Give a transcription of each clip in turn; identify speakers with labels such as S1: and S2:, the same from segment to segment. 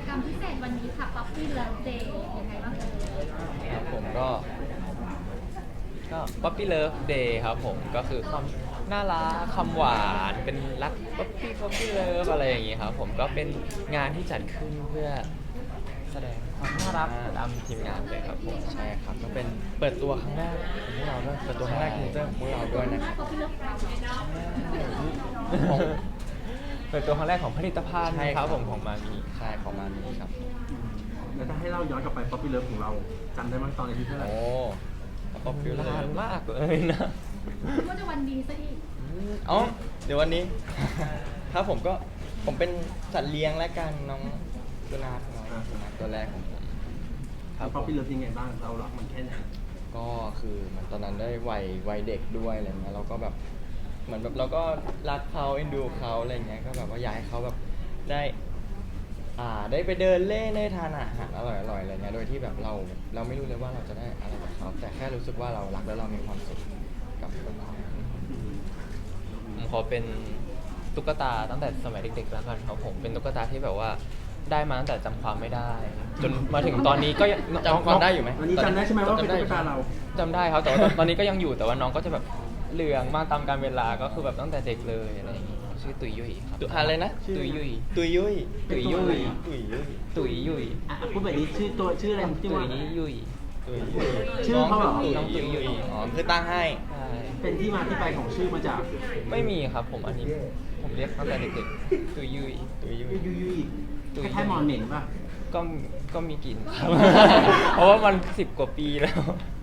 S1: กรรมพิเศษวันนี้ค่ะ Puppy Love Day ยังไงบ้างเอ่ย
S2: ครับผมก็ Puppy Love Day ครับผมก็คือความน่ารักคำหวานเป็นรัก Puppy Love อะไรอย่างงี้ครับผมก็เป็นงานที่จัดขึ้นเพื่อแสดงความน่ารักตามทีมงานเลยครับผมใช่ครับก็เป็นเปิดตัวครั้งแรกของพวกเราด้วยเปิดตัวครั้งแรกของพวกเราด้วยนะครับ
S1: Puppy Love
S2: ของเปิดตัวครั้งแรกของผลิตภัณฑ์
S3: ใช่
S2: ค
S3: ครั
S2: รับบ ผมของมามี
S3: ใช่ของมามีครับ
S4: แล้วถ้าให้เราย้อนกลับไปป๊อปปี้เลิฟของเราจำได้ไหมตอนอายุเท่าไหร่
S3: โอ้ป๊อปปี้เล
S2: นาน
S3: ย
S2: มากเลยนะ
S1: ว่าจะวันดีซะอีก
S3: อ๋อเดี๋ยววันนี้ ครับผมเป็นสัตว์เลี้ยงและกันน้องสุนัขตัวแรกของผม
S2: ครับผ
S4: ป๊อป
S2: ม
S4: ปี้เลิฟยังไงบ้างเรารักมันแค่ไหน
S3: ก็คือเหมันตอนนั้นได้วัยเด็กด้วยอะไรเงี้ยเราก็แบบเหมือนแบบเราก็รักเขาเอ็นดูเขาอะไรเงี้ยก็แบบว่าอยากให้เขาแบบได้ไปเดินเล่นได้ทานอาหารอร่อยๆอะไรเงี้ยโดยที่แบบเราไม่รู้เลยว่าเราจะได้อะไรจากเขาแต่แค่รู้สึกว่าเรารักแล้วเรามีความสุขกับเขา
S2: ผมขอเป็นตุ๊กตาตั้งแต่สมัยเด็กๆแล้วกันครับผมเป็นตุ๊กตาที่แบบว่าได้มาตั้งแต่จำความไม่ได้ จนมาถึงตอนนี้ก็ยัง
S3: จำความได้อยู่ไหม
S4: วันนี้จำได้ใช่ไหมว่าเป็นตุ๊กตาเรา
S2: จำได้ครับแต่ว่าตอนนี้ก็ยังอยู่แต่ว่าน้องก็จะแบบเหลืองมากตามกาลเวลาก็คือแบบตั้งแต่เด็กเลยอะไรอย่างงี้ชื่อตุยยุยครับ
S3: อะไรนะ
S2: ตุยยุย
S3: ตุยยุย
S2: ตุยยุย
S3: ตุยยุย
S2: ตุยยุย
S4: อ่ะพูดแบบนี้ชื่ออะไรชื่อ
S2: ตุ
S4: ว่าย
S2: นี้ยุย
S3: ตุยยุย
S4: ชื่อเขาเหรอ
S3: น้องตุยยุยอ๋อคือตั้งให้
S2: ใช่
S4: เป็นที่มาที่ไปของชื่อมาจาก
S2: ไม่มีครับผมอันนี้ผมเรียกตั้งแต่เด็กๆตุยยุย
S3: ตุยยุย
S4: ยุยคล้ายๆมอนเหม็นป่ะ
S2: ก็มีกลิ่นครับ เพราะว่ามัน10 กว่าปีแล้ว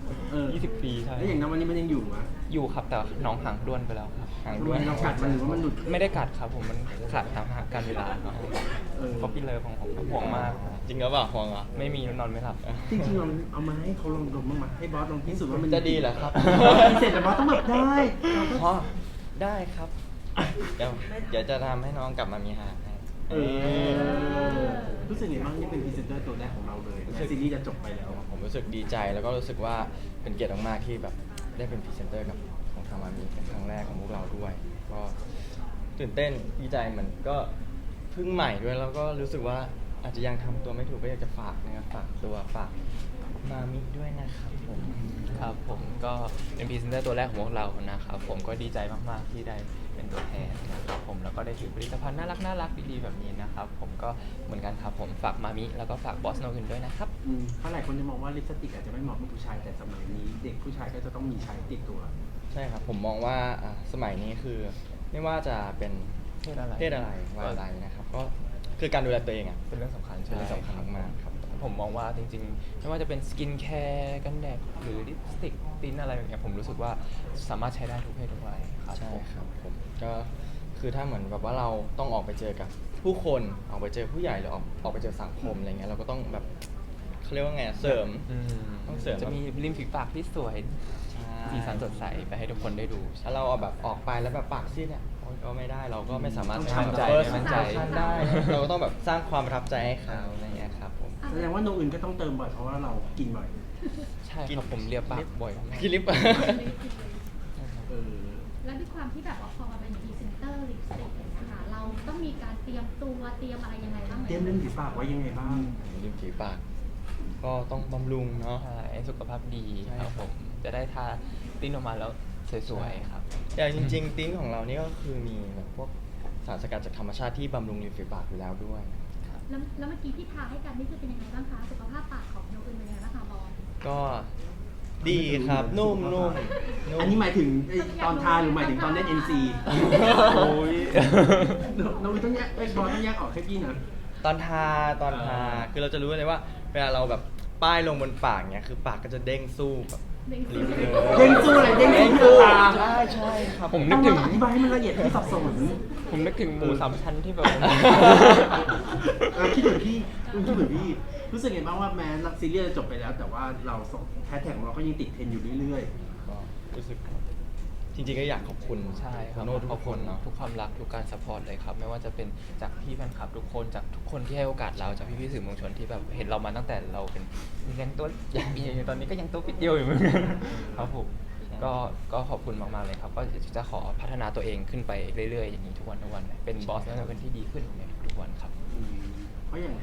S2: 20 ปีใช่
S4: แล้วอย่างนั้นวันนี้มันยังอยู่ไหม
S2: อยู่ครับแต่น้องห่างด้วนไปแล้วครับ
S3: ห่าง
S4: ทำ
S3: ด้
S4: ไม
S3: วย
S4: เรากัดมันหรือว่ามันหลุด
S2: ไม่ได้กัดครับผมมันขาดตามหาการเวลาครับ
S4: เออ
S2: เพราะพี่เลิฟของผมห่วงมาก
S3: จริงหรือเปล่าห่วงเหรอ
S2: ไม่มีนอนไม่หลับ
S4: จริงๆเราเอามาให้เขาลองดมบ้างไหมให้บอสลองพิสูจน์ว่ามัน
S3: จะดีเหรอครับ
S4: พิเศษแต่บอสต้องแบบได้เราก็
S3: อ๋อได้ครับเดี๋ยวจะทำให้น้องกลับมามีหางให้
S4: เออรู้สึกไงบ้างนี่เป็นพรีเซนเตอร์ตัวแรกของเราเลยซีรีส์จะจบไปแล้ว
S3: ผมรู้สึกดีใจแล้วก็รู้สึกว่าเป็นเกียรติมากๆที่แบบได้เป็นพรีเซนเตอร์กับของทางมามีเป็นครั้งแรกของพวกเราด้วย ก็ตื่นเต้นดีใจเหมือนก็เพิ่งใหม่ด้วยแล้วก็รู้สึกว่าอาจจะยังทำตัวไม่ถูกก็อยากจะฝากนะครับฝากมามิด้วยนะครับผม
S2: ครับผมก็เป็นพรีเซนเตอร์ตัวแรกของพวกเรานะครับผมก็ดีใจมากๆที่ได้เป็นตัวแทนนะครับผมแล้วก็ได้ถือผลิตภัณฑ์น่ารักดีๆแบบนี้นะครับผมก็เหมือนกันครับผมฝากมามิแล้วก็ฝากบอสโนอื่นด้วยนะครับ
S4: เพราะหลายคนจะมองว่าลิปสติกอาจจะไม่เหมาะกับผู้ชายแต่สมัยนี้เด็กผู้ชายก็จะต้องมีใช้ติดตัว
S3: ใช่ครับผมมองว่าสมัยนี้คือไม่ว่าจะเป็น
S2: เพศอะไร
S3: วัยอะไรนะครับก็คือการดูแลตัวเองอ่ะ
S2: เป็นเรื่องสำคัญ
S3: เป็นเรื่องสำคัญมากๆครับ
S2: ผมมองว่าจริงๆไม่ว่าจะเป็นสกินแคร์กันแดดหรือลิปสติกติ้นอะไรอย่างเงี้ยผมรู้สึกว่าสามารถใช้ได้ทุกเพศทุกวัยครับ
S3: ใช่
S2: ผม
S3: ครับผมก็คือถ้าเหมือนแบบว่าเราต้องออกไปเจอกับผู้คนออกไปเจอผู้ใหญ่หรือออกไปเจอสังคมอะไรเงี้ยเราก็ต้องแบบเขาเรียกว่าไงเสริม ต้องเสริม
S2: จะมีริมฝีปากที่สวย
S3: ใช่
S2: สีสันสดใสไปให้ทุกคนได้ดู
S3: ถ้าเราเอาแบบออกไปแล้วแบบปากซีดเนี่ยโอ๊ยก็ไม่ได้เราก็ไม่สามารถ
S4: ต้อง
S3: ทำ
S4: มั่นใจ
S3: first
S2: มั่นใจ
S3: impression ได้ เราก็ต้องแบบสร้างความประทับใจให้เขาอะไรเงี้ยครับผม
S4: แสดงว่าโนอื่นก็ต้องเติมบ่อยเพราะว่าเรากินบ่อย
S2: ใช่ครับผมเรียบปากบ่อยมาก
S3: กินลิป
S4: เออ
S1: และด้วยความที่แบบว่าพอมาเป็นพรีเซนเตอร์ลิปสติกนะคะเราต้องมีการเตรียมตัวเตรียมอะไรยังไงบ้างไหม
S4: เตรียมเล่นฝีปากไว้ยังไงบ้าง
S3: ริมฝีปากก็ต้องบำรุงเนาะ
S2: ใช่สุขภาพดี
S3: ใช่
S2: ครับผมจะได้ทาติ้นออกมาแล้วสวยๆครับ
S3: แต่จริงๆติ้งของเรานี่ก็คือมีแบบพวกสารสกัดจากธรรมชาติที่บำรุงริมฝีปากอยู่แล้วด้วย
S1: แล้วเมื่อกี้ที่ทาให้กันนี่คือเป็นยังไงบ้างคะสุขภาพปากของโนอื่นเป็นยังไงบ้างคะบอล
S3: ก็ดีครับนุ่มนุ่ม
S4: อันนี้หมายถึงไอ้ตอนทาหรือหมายถึงตอนเล่น NC
S2: โอ้ย
S4: โนอื่นต้องแยกไอ้บอลต้องแยกออกให้พี่นะ
S3: ตอนทาคือเราจะรู้เลยว่าเวลาเราแบบป้ายลงบนปากเนี่ยคือปากก็จะเด้งสู้แบบ
S1: เด้งสู้
S3: ลิ้นเลย
S4: เด้งสู้อะไรเด้งสู้ตา
S3: ใช่ใช่ครับ
S2: ผมนึ
S4: ต้อก ง
S2: ถึง
S4: อธิบายให้มันละเอียดที่สับสน
S2: ผมนึกถึงหมูสามชั้นที่แบบ
S4: คิดเหมือนพี่คิดเหมือนพี่ รู้สึกไงบ้างว่าแม้รักซีเรียส์จะจบไปแล้ว แต่ว่าเราแฮชแท็กของเราก็ยังติดเทรนด์อยู่เรื่อย
S3: ก็รู้สึกจริงๆก็อยากขอบคุณ
S2: ใช่ครับ
S3: โน้ตทุ
S2: ขอบ
S3: กค
S2: คุณ
S3: นเนาะ
S2: ทุกความรักทุกการสปอร์ตเลยครับไม่ว่าจะเป็นจากพี่แฟนคลับทุกคนจากทุกคนที่ให้โอกาสเราจากพี่ๆสื่อมวลชนที่แบบเห็นเรามาตั้งแต่เราเป็นยังตัวตอนนี้ก็ยังตัวปิดเดียวอยู่เหมือนกันครับผมก็ขอบคุณมากๆเลยครับก็จะขอพัฒนาตัวเองขึ้นไปเรื่อยๆอย่างนี้ทุกวันเป็นบอสแล้วเป็นที่ดีขึ้นในทุกวันครับ
S4: ๆเพราะอย่างหลายคนล่า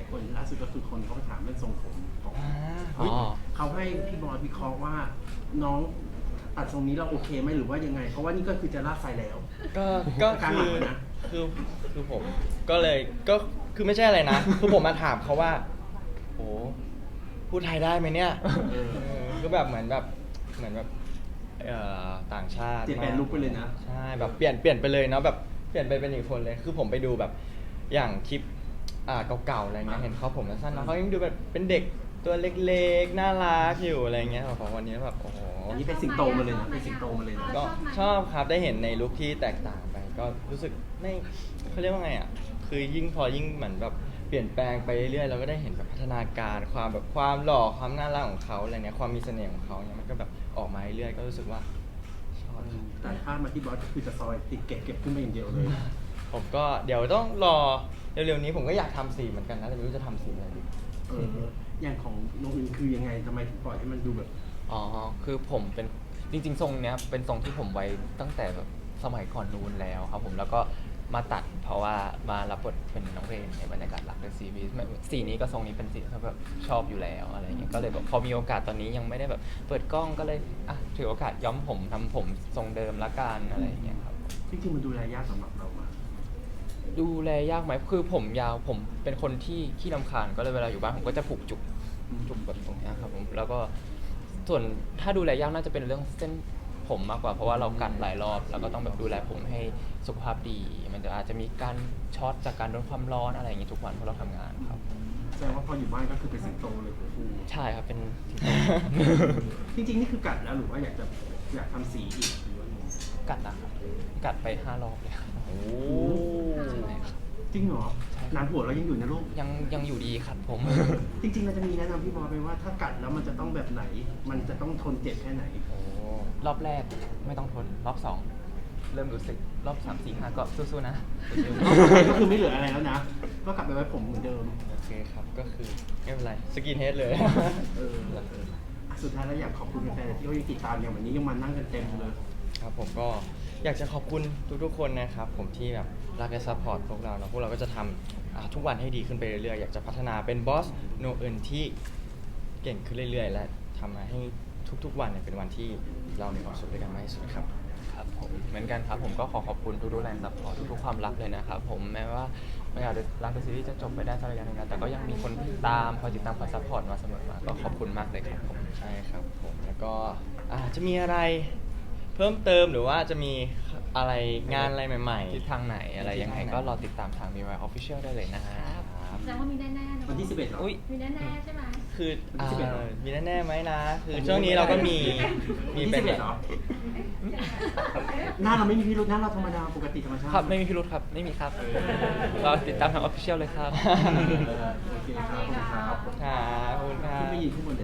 S4: าสุดก็คือคนเขาไปถามเรื่องทรงผมของ
S2: อ๋อ
S4: เขาให้พี่บอยวิเคราะห์ว่าน้องตัดทรงนี้เราโอเคไหมหรือว่ายังไง เพราะว่านี่ก็คือจะลากไฟแล้ว
S3: ก็
S4: กลาง
S3: คื
S4: หลั
S3: อง
S4: นะ
S3: คือผมก็เลยก็คือไม่ใช่อะไรนะ คือผมมาถามเขาว่าโอ้พูดไทยได้ไหมเนี่ย
S4: เออ
S3: ก็แบบเหมือนแบบต่างชาติ
S4: เปลี่ยนแปลงลุคไปเลยนะ
S3: ใช่แบบเปลี่ยนไปเลยเนาะแบบเปลี่ยนไปเป็นอีกคนเลย คือผมไปดูแบบอย่างคลิปเก่าๆอะไรเงี้ยเห็นเขาผมสั้นๆเนาะเขายังดูแบบเป็นเด็กตัวเล็กๆน่ารักอยู่อะไรเงี้ยของวันนี้แบบโอ้โห
S4: อันนี้เป็นสิงโตมาเลยนะเป็นสิงโตมาเลยนะ
S3: ก็ชอบครับได้เห็นในลุคที่แตกต่างไป ก็รู้สึกไม่เขาเรียกว่าไงอ่ะคือยิ่งพอยิ่งเหมือนแบบเปลี่ยนแปลงไปเรื่อยๆเราก็ได้เห็นแบบพัฒนาการความหล่อความน่ารักของเขาอะไรเนี้ยความมีเสน่ห์ของเขาเนี่ยมันก็แบบออกมาเรื่อยๆก็รู้สึกว่าชอบครับ
S4: แต่ถ้ามาที่บอสก็คือจะซอยติดเก็บขึ้นมาอย่างเดียวเลย
S3: ผมก็เดี๋ยวต้องรอเร็วๆนี้ผมก็อยากทำสีเหมือนกันนะแต่ไม่รู้จะทำสีอะไรดี
S4: อย่างของน้องอื่นคือยังไงทำไมถึงปล่อยให้มันดูแบบ
S2: อ๋อ คือผมเป็นจริงๆ ทรงเนี้ยเป็นทรงที่ผมไว้ตั้งแต่แบบสมัยก่อนนู้นแล้วครับผมแล้วก็มาตัดเพราะว่ามารับบทเป็นน้องเรนในบรรยากาศหลักในซีรีส์สีนี้ก็ทรงนี้เป็นสีที่แบบชอบอยู่แล้วอะไรเงี้ยก็เลยแบบพอมีโอกาสตอนนี้ยังไม่ได้แบบเปิดกล้องก็เลยอ่ะถือโอกาสย้อมผมทำผมทรงเดิมละกันอะไรอย่างเงี้ยครับ
S4: จริงๆมันดูแลยากสำหรับเรามาก
S2: ดูแลยากไหมคือผมยาวผมเป็นคนที่ขี้รำคาญก็เลยเวลาอยู่บ้านผมก็จะผูกจุกแบบตรงเนี้ยครับผมแล้วก็ส่วนถ้าดูแลยากน่าจะเป็นเรื่องเส้นผมมากกว่าเพราะว่าเรากัดหลายรอบแล้วก็ต้องแบบดูแลผมให้สุขภาพดี มันจะอาจจะมีการช็อตจากการโดนความร้อนอะไรอย่างงี้ทุกวันเพราะเราทำงานครับ
S4: แสดงว่าพออยู่บ้านก็คือเป็นสิงโตเลยคุณครู
S2: ใช่ครับเป็น
S4: จริงๆนี่คือกัดแล้วหรือว่าอยากทำสีอีกหรือว่าไง
S2: กัดนะครับกัดไป5 รอบเลยครับ
S3: โอ้
S2: ใช่ครับ
S4: จริงเหรอหนานหัวเรายังอยู่นะลูก
S2: ยังอยู่ดีครับผม
S4: จริงๆเราจะมีแนะนำพี่บอยไปว่าถ้ากัดแล้วมันจะต้องแบบไหน มันจะต้องทนเจ็บแค่ไหน
S3: โอ้
S2: รอบแรกไม่ต้องทนรอบ2เริ่มรู้สึกรอบ3 4 5ก็สู้ๆนะสู้ๆ
S4: ก็คือไม่เหลืออะไรแล้วนะ ก็กลับไปไว้ผมเหมือนเดิม
S3: โอเคครับก็คือไม่เป็นไรสกินเฮดเลย
S4: เออสุดท้ายแล้วอยากขอบคุณแฟนๆที่เขายังติดตามอย่างวันนี้ยังมานั่งกันเต็มเลย
S3: ครับผมก็อยากจะขอบคุณทุกๆคนนะครับผมที่แบบรักและซัพพอร์ตพวกเราเนาะพวกเราก็จะทำทุกวันให้ดีขึ้นไปเรื่อยๆอยากจะพัฒนาเป็นบอสโนเอินที่เก่งขึ้นเรื่อยๆ และทำให้ทุกๆวันเนี่ยเป็นวันที่เรามีความสุขด้วยกันมากที่สุดครับ
S2: ครับผมเหมือนกันครับผมก็ขอบคุณทุกๆแรงซัพพอร์ตทุกๆความรักเลยนะครับผมแม้ว่าไม่อาจจะรักในซีรีส์จะจบไปได้สักระยะหนึงแล้วแต่ก็ยังมีคนติดตามคอยติดตามคอยซัพพอร์ตมาเสมอมาก็ขอบคุณมากเลยครับผม
S3: ใช่ครับผมแล้วก็จะมีอะไรเพิ่มเติมหรือว่าจะมีอะไรงานอะไรใหม่ๆ
S2: ทิศทางไหนอะไรยังไงก็รอติดตามทาง MIY Official ได้เลยนะครับ
S1: แสดงว่ามีแน่ๆนะ
S4: วันที่ 11เหรอ
S2: อุ๊ย
S1: มีแน่ๆใช่ไหม
S3: คือ
S4: วันที่11เหรอ
S3: มีแน่ๆไหมนะ คือช่วงนี้เราก็มี
S4: วันที่
S3: เป็น
S4: 11เหรอ หน้าเราไม่มีพิรุธหน้าเราธรรมดาปกติธรรมชาติ
S2: ครับไม่มีพิรุธครับไม่มีครับรอติดตามทาง Official เลยครับ
S4: โอเคครับขอบคุณครับ
S3: ครับขอบคุณครับ
S4: ขึ้นไปยืนข้างบน